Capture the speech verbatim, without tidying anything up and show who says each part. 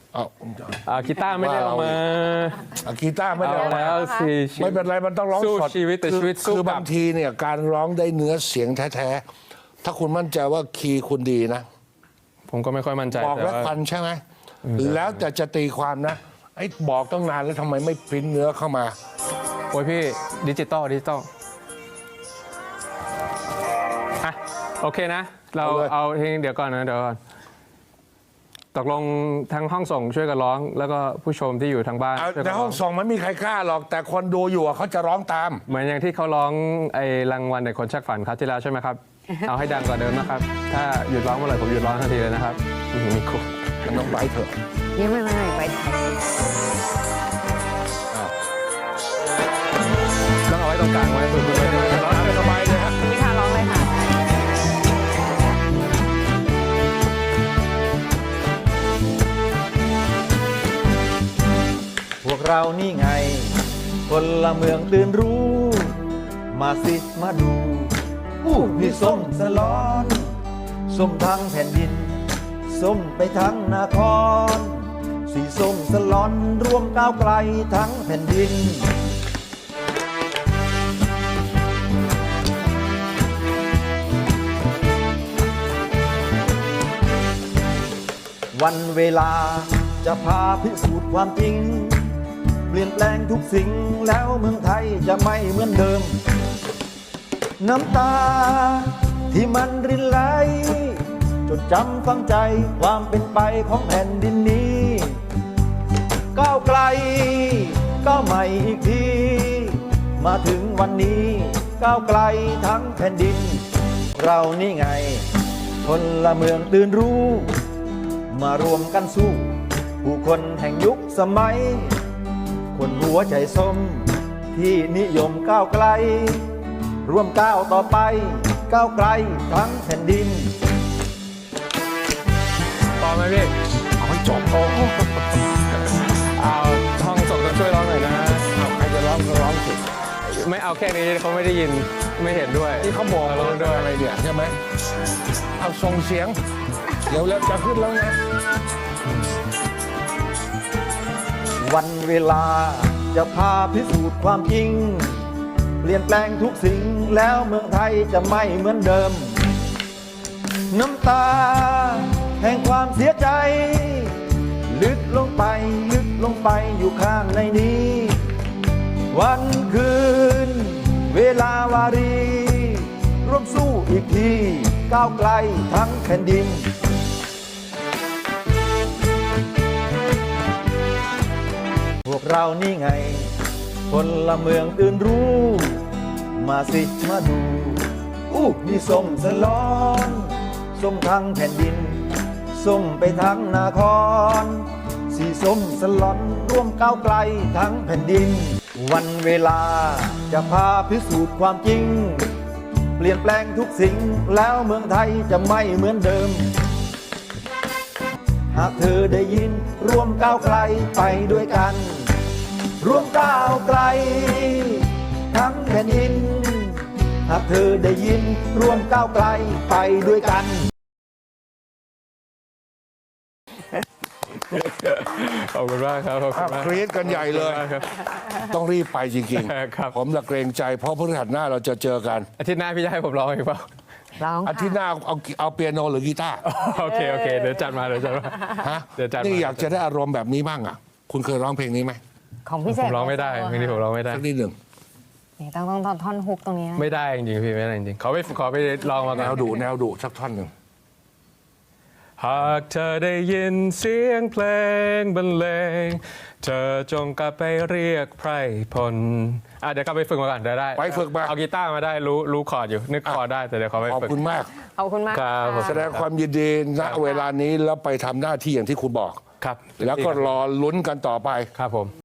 Speaker 1: เอา
Speaker 2: เอากีตาร์ไม่ได้เอามา
Speaker 1: เอากีตาร์ไม่ได้
Speaker 2: เอา
Speaker 1: เอามา
Speaker 2: แล้วสิ
Speaker 1: ไม่เป็นไรมันต้องร้อง
Speaker 2: สู้
Speaker 1: สด
Speaker 2: ชีวิตแต่
Speaker 1: คือ
Speaker 2: ชีวิตสู้
Speaker 1: คือก
Speaker 2: ลั
Speaker 1: บางทีเนี่ยการร้องได้เนื้อเสียงแท้ๆถ้าคุณมั่นใจว่าคีย์คุณดีนะ
Speaker 2: ผมก็ไม่ค่อยมั่นใจ
Speaker 1: บอก
Speaker 2: แต่
Speaker 1: แล้ว
Speaker 2: ว่า
Speaker 1: ฟันใช่ไหมแล้วแต่จะตีความนะไอ้บอกตั้งนานแล้วทำไมไม่พิมพ์เนื้อเข้ามา
Speaker 2: โอ้ยพี่ดิจิตอลดิจิตอลอ่ะโอเคนะ เรา
Speaker 1: เอาเลย
Speaker 2: เอาเพลงเดี๋ยวก่อนนะเดี๋ยวก่อนตกลงทั้งห้องส่งช่วยกันร้อง แล้วก็ผู้ชมที่อยู่ทางบ้าน
Speaker 1: เอา
Speaker 2: ช่วย
Speaker 1: ใน
Speaker 2: กัน
Speaker 1: ห้
Speaker 2: ร้
Speaker 1: อ
Speaker 2: อง ง
Speaker 1: ส่งมันไม่มีใครกล้าหรอก แต่คนดูอยู่อะเขาจะร้องตาม
Speaker 2: เหมือนอย่างที่เขาร้องไอ้รางวัลเด็กคนชักฝันครับที่แล้วใช่ไหมครับ เอาให้ดังกว่าเดิมนะครับ ถ้าหยุดร้องเมื่อไหร่ผมหยุดร้องทันทีเลยนะครับอื้อหือมีครู
Speaker 1: มันต้องไปเถอะ
Speaker 3: ยังไม่ไม่ไม่ไป
Speaker 2: ต้องเอาไว้ตรงกลางไว้ฝึกๆไว้ด้วย
Speaker 1: ร้องสบายเลยฮะ
Speaker 3: นี่ค่ะร้องเลยค่ะ
Speaker 4: พวกเรานี่ไงคนละเมืองตื่นรู้ มาสิมาดูอู้นี่ส้มสลอนส้มทั้งแผ่นดิน ส้มไปทั้งนคร สีส้มสลอนรวมก้าวไกลทั้งแผ่นดิน วันเวลาจะพาพิสูจน์ความจริง เปลี่ยนแปลงทุกสิ่งแล้วเมืองไทยจะไม่เหมือนเดิม น้ำตาที่มันรินไหลจดจำฝังใจความเป็นไปของแผ่นดินนี้ก้าวไกลก้าวใหม่อีกที มาถึงวันนี้ก้าวไกลทั้งแผ่นดิน เรานี่ไงคนละเมืองตื่นรู้ มารวมกันสู้ผู้คนแห่งยุคสมัย คนหัวใจส้มที่นิยมก้าวไกล ร่วมก้าวต่อไปก้าวไกลทั้งแผ่นดิน
Speaker 2: พอไหมพี่
Speaker 1: เอาให้จบโอ้โห
Speaker 2: เอาห้องส่งต้องช่วยร้องหน่อยนะ
Speaker 1: เอาใครจะร้องก็ร้องสิ
Speaker 2: ไม่เอาแค่นี้เขาไม่ได้ยินไม่เห็นด้วย
Speaker 1: ที่เขาบอก
Speaker 2: ร้
Speaker 1: เรา
Speaker 2: อง
Speaker 1: ด้
Speaker 2: ด้
Speaker 1: ว
Speaker 2: วย ย
Speaker 1: อะไรเนี่ยใช่ไหมเอาส่งเสียง เดี๋ยวแล้วจะขึ้นแล้วนะ
Speaker 4: วันเวลาจะพาพิสูจน์ความจริง เปลี่ยนแปลงทุกสิ่งแล้วเมืองไทยจะไม่เหมือนเดิม น้ำตาแห่งความเสียใจ ลึกลงไปลึกลงไปอยู่ข้างในนี้ วันคืน เวลาวารี ร่วมสู้อีกทีก้าวไกลทั้งแผ่นดิน พวกเรานี่ไงคนละเมืองตื่นรู้ มาสิมาดูอู้นี่ส้มสลอนส้มทั้งแผ่นดิน ส้มไปทั้งนคร สีส้มสลอนร่วมก้าวไกลทั้งแผ่นดิน วันเวลาจะพาพิสูจน์ความจริง เปลี่ยนแปลงทุกสิ่งแล้วเมืองไทยจะไม่เหมือนเดิม หากเธอได้ยินร่วมก้าวไกลไปด้วยกัน ร่วมก้าวไกลทั้งแผ่นดิน หากเธอได้ยินร่วมก้าวไกลไปด้วยกัน
Speaker 2: ขอบคุณมากครับขอบคุ
Speaker 1: อ้าว
Speaker 2: ณมาก
Speaker 1: กรี๊ดกันใหญ่เลย
Speaker 2: ขอบคุณมากครับ
Speaker 1: ต้องรีบไปจริง
Speaker 2: ครับ
Speaker 1: ๆ ผมละเกรงใจเพราะพฤหัสหน้าเราจะเจอกัน
Speaker 2: อาทิตย์หน้าพี่จะให้ผมร้องอีกเปล่า
Speaker 3: ร้อง
Speaker 1: อาทิตย์หน้าเอาเอาเปียโนหรือกีตาร์
Speaker 2: โอเคโอเคเดี๋ยวจัดมาเดี๋ยวจัดมา
Speaker 1: ฮะ
Speaker 2: เดี๋ยวจัดมา
Speaker 1: นี่อยากจะได้อารมณ์แบบนี้บ้างอ่ะ คุณเคยร้องเพลงนี้ไหม
Speaker 3: ของพี่เส
Speaker 2: ผ
Speaker 3: ก
Speaker 2: มร้องไม่ได้เพลงนี้ผมร้องไม่ได้
Speaker 1: สักนิดหนึ่ง
Speaker 3: นี่ต้องต้องต้องท่อนฮุกตรงนี้นะ
Speaker 2: ไม่ได้จริงๆพี่ไม่ได้จริงๆขอไปขอไปลองมา
Speaker 1: แน
Speaker 2: ก่อน
Speaker 1: วดุแนวดุสักท่อนหนึ่ง
Speaker 2: หากเธอได้ยินเสียงเพลงบรรเลงเธอจงกลับไปเรียกไพรพลอ่ะเดี๋ยวกลับไปฝึกมาก่อนได้ได้
Speaker 1: ไปฝึกมา
Speaker 2: เอากีตาร์มาได้รู้รู้คอร์ดอยู่นึกคอร์ดได้แต่เดี๋ยวขอไป
Speaker 1: ขอบ
Speaker 2: ฝึก
Speaker 1: คุณมาก
Speaker 3: ขอบคุณมาก
Speaker 2: ครับผม
Speaker 1: แสดงความยินดีณเวลานี้แล้วไปทำหน้าที่อย่างที่คุณบอก
Speaker 2: ครับ
Speaker 1: แล้วก็รอลุ้นกันต่อไป
Speaker 2: ครับผม